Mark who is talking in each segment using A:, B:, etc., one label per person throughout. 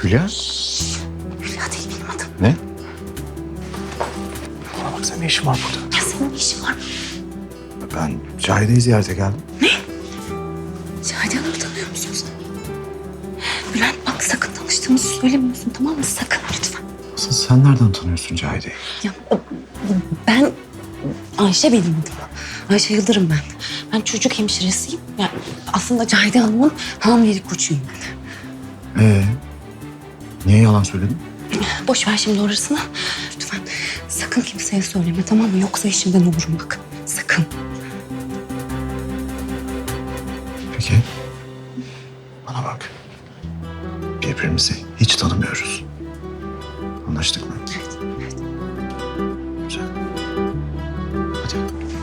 A: Hülya?
B: Hülya değil benim adım.
A: Ne? Bana bak, senin ne işin var burada?
B: Ya senin ne işin var?
A: Ben Cahide'yi ziyarete geldim.
B: Şahide Hanım'ı tanıyor musun sen? Bülent bak sakın tanıştığımızı söylemiyorsun, tamam mı? Sakın lütfen.
A: Asıl sen nereden tanıyorsun Cahide'yi?
B: Ya ben Ayşe benim adım. Ayşe Yıldırım ben. Ben çocuk hemşiresiyim. Yani aslında Cahide Hanım'ın hamilelik koçuyum ben.
A: Niye yalan söyledin?
B: Boş ver şimdi orasını. Lütfen sakın kimseye söyleme, tamam mı? Yoksa işimden olurum bak. Sakın.
A: Peki. Bana bak. Birbirimizi hiç tanımıyoruz. Anlaştık mı?
B: Evet, evet.
A: Güzel. Hadi.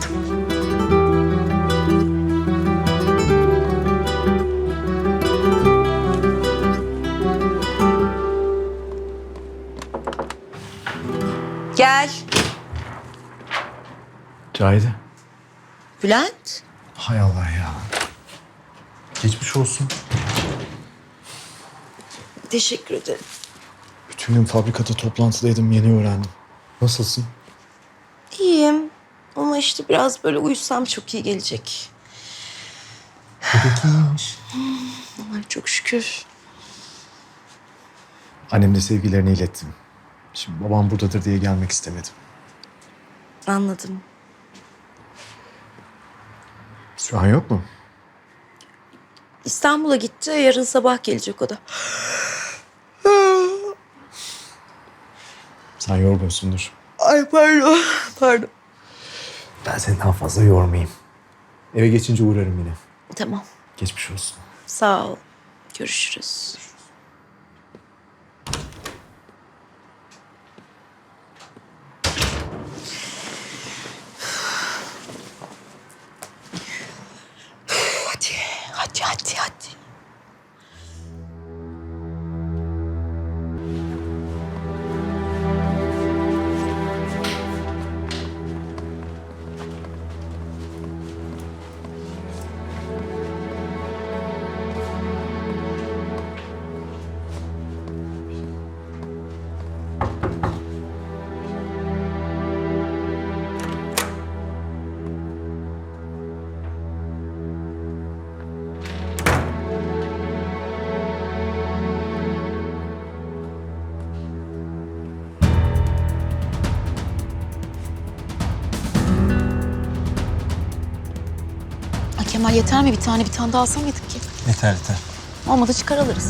C: Gel.
A: Cahide.
C: Bülent.
A: Hay Allah ya. Geçmiş olsun.
C: Teşekkür ederim.
A: Bütün gün fabrikada toplantıdaydım, yeni öğrendim. Nasılsın?
C: İyiyim. Ama işte biraz böyle uyusam çok iyi gelecek.
A: Bebek iyiymiş.
C: Ay çok şükür.
A: Annem de sevgilerini ilettim. Şimdi babam buradadır diye gelmek istemedim.
C: Anladım.
A: Sühan yok mu?
C: İstanbul'a gitti. Yarın sabah gelecek o da.
A: Sen yorgunsundur.
C: Ay pardon. Pardon.
A: Ben seni daha fazla yormayayım. Eve geçince uğrarım yine.
C: Tamam.
A: Geçmiş olsun.
C: Sağ ol. Görüşürüz. Hadi, hadi, hadi, hadi.
B: Ay Kemal yeter mi? Bir tane daha alsamaydık ki.
A: Yeter yeter.
B: Olmadı çıkar alırız.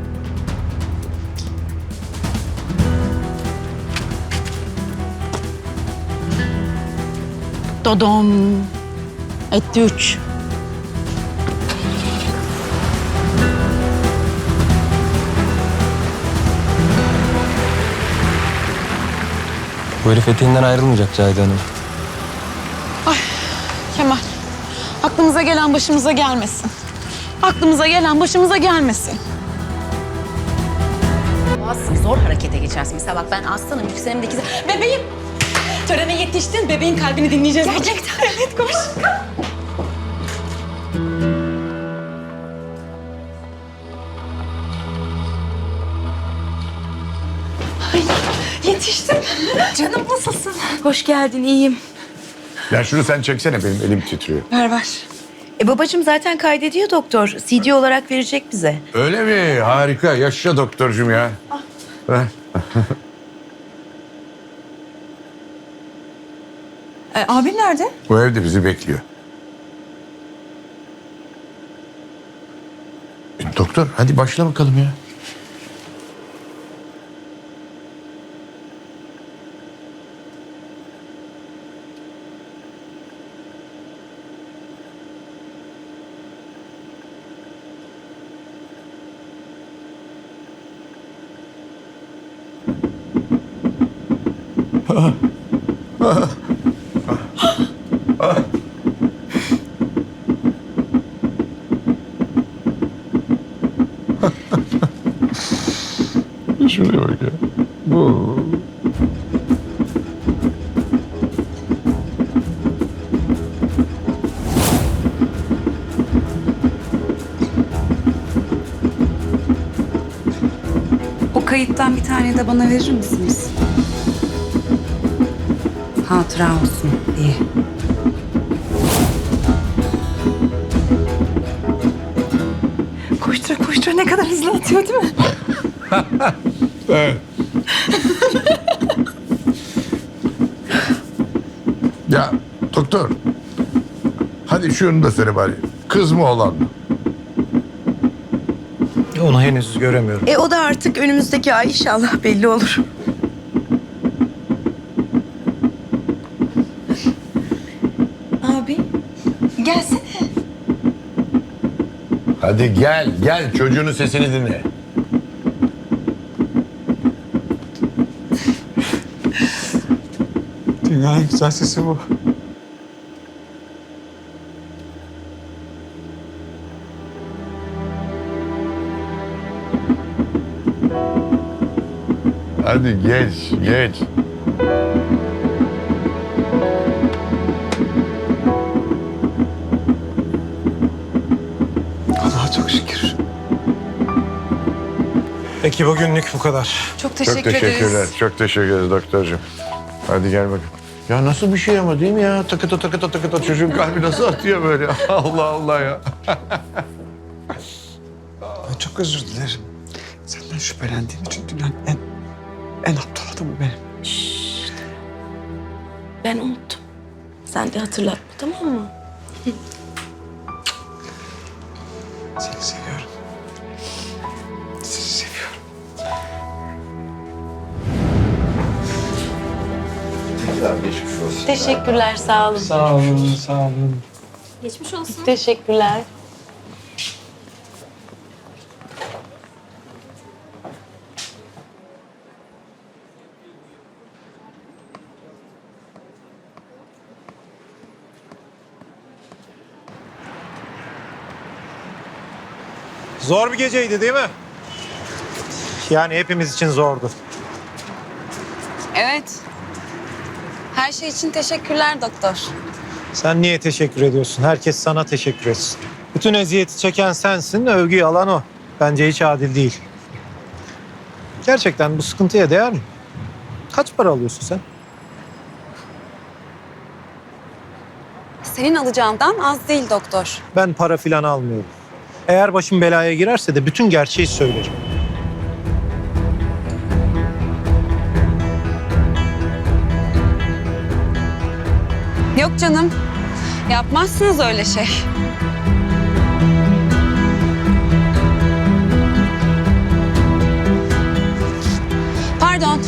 B: Dodom. Etti 3.
D: Bu herif eteğinden ayrılmayacak Cahide Hanım.
B: Kemal, aklımıza gelen başımıza gelmesin. Aklımıza gelen başımıza gelmesin.
E: Boğazsın, zor harekete geçersin. Mesela bak ben aslanım, yükselimdeki... Bebeğim! Törene yetiştin, bebeğin kalbini dinleyeceğiz. Gerçekten. Evet, koş. Ay, yetiştim. Canım nasılsın?
C: Hoş geldin, iyiyim.
F: Ya şunu sen çeksene, benim elim titriyor.
C: Ver. Babacığım zaten kaydediyor doktor. CD olarak verecek bize.
F: Öyle mi? Harika. Yaşa doktorcum ya. Ver.
C: Abim nerede?
F: Bu evde bizi bekliyor. Doktor hadi başla bakalım ya. Şuraya bak ya. Bu.
B: kayıttan bir tane de bana verir misiniz? Hatıra olsun diye.
C: Koştura koştura ne kadar hızlı atıyor değil mi?
F: Evet. Ya doktor. Hadi şunu da söyle bari. Kız mı oğlan mı?
A: Onu henüz göremiyorum.
C: O da artık önümüzdeki ay inşallah belli olur. Abi gelsene.
F: Hadi gel çocuğunun sesini dinle.
A: Dünyanın en güzel sesi bu.
F: Hadi geç.
A: Allah'a çok şükür. Peki bugünlük bu kadar.
C: Çok
F: Çok teşekkürler. Çok teşekkür ederiz doktorcuğum. Hadi gel bakayım. Ya nasıl bir şey ama değil mi ya? Takıta çocuğun kalbi nasıl atıyor böyle? Allah Allah ya.
G: Ben çok özür dilerim. Senden şüphelendiğim için dünyanın en aptal adamı benim.
C: Ben unuttum. Sen de hatırlatma, tamam mı?
G: Seni seviyorum. Seni seviyorum.
E: Teşekkürler, sağ olun.
G: Sağ olun, sağ olun.
E: Teşekkürler.
A: Zor bir geceydi değil mi? Yani hepimiz için zordu.
B: Evet. Her şey için teşekkürler doktor.
A: Sen niye teşekkür ediyorsun? Herkes sana teşekkür etsin. Bütün eziyeti çeken sensin, övgüyü alan o. Bence hiç adil değil. Gerçekten bu sıkıntıya değer mi? Kaç para alıyorsun sen?
B: Senin alacağından az değil doktor.
A: Ben para filan almıyorum. Eğer başım belaya girerse de bütün gerçeği söylerim.
B: Yok canım. Yapmazsınız öyle şey. Pardon.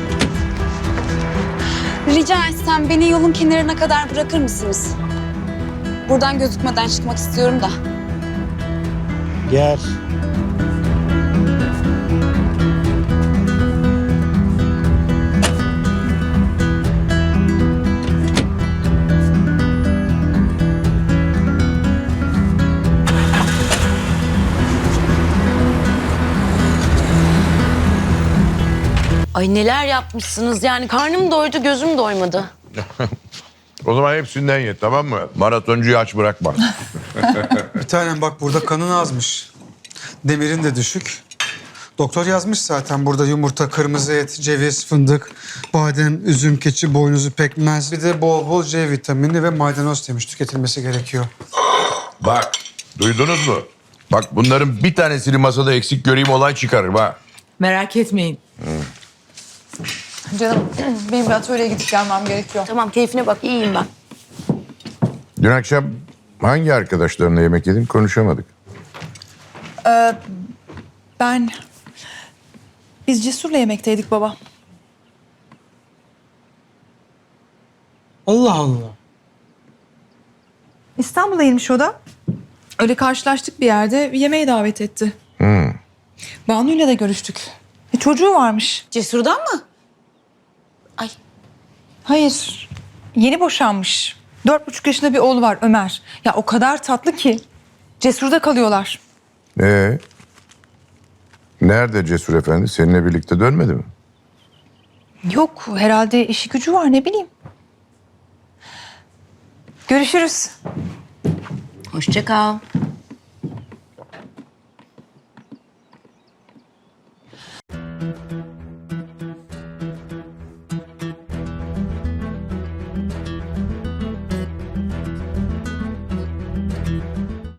B: Rica etsem beni yolun kenarına kadar bırakır mısınız? Buradan gözükmeden çıkmak istiyorum da.
A: Gel.
C: Ay neler yapmışsınız yani karnım doydu gözüm doymadı.
F: O zaman hepsinden ye, tamam mı? Maratoncuyu aç bırakma.
G: Bir tanem bak burada kanın azmış. Demirin de düşük. Doktor yazmış zaten burada yumurta, kırmızı et, ceviz, fındık, badem, üzüm, keçi, boynuzu, pekmez. Bir de bol bol C vitamini ve maydanoz demiş tüketilmesi gerekiyor.
F: Bak, duydunuz mu? Bak bunların bir tanesini masada eksik göreyim, olay çıkarırım ha.
H: Merak etmeyin. Canım benim bir atölyeye gidip gelmem gerekiyor.
C: Tamam keyfine bak iyiyim ben.
F: Dün akşam hangi arkadaşlarınla yemek yedin konuşamadık.
H: Biz Cesur'la yemekteydik baba.
G: Allah Allah.
H: İstanbul'a inmiş o da. Öyle karşılaştık bir yerde yemeğe davet etti. Banu'yla da görüştük. Çocuğu varmış.
E: Cesur'dan mı?
H: Hayır. Yeni boşanmış. 4,5 yaşında bir oğlu var Ömer. Ya o kadar tatlı ki. Cesur'da kalıyorlar.
F: Nerede Cesur Efendi? Seninle birlikte dönmedi mi?
H: Yok herhalde işi gücü var ne bileyim. Görüşürüz.
C: Hoşça kal.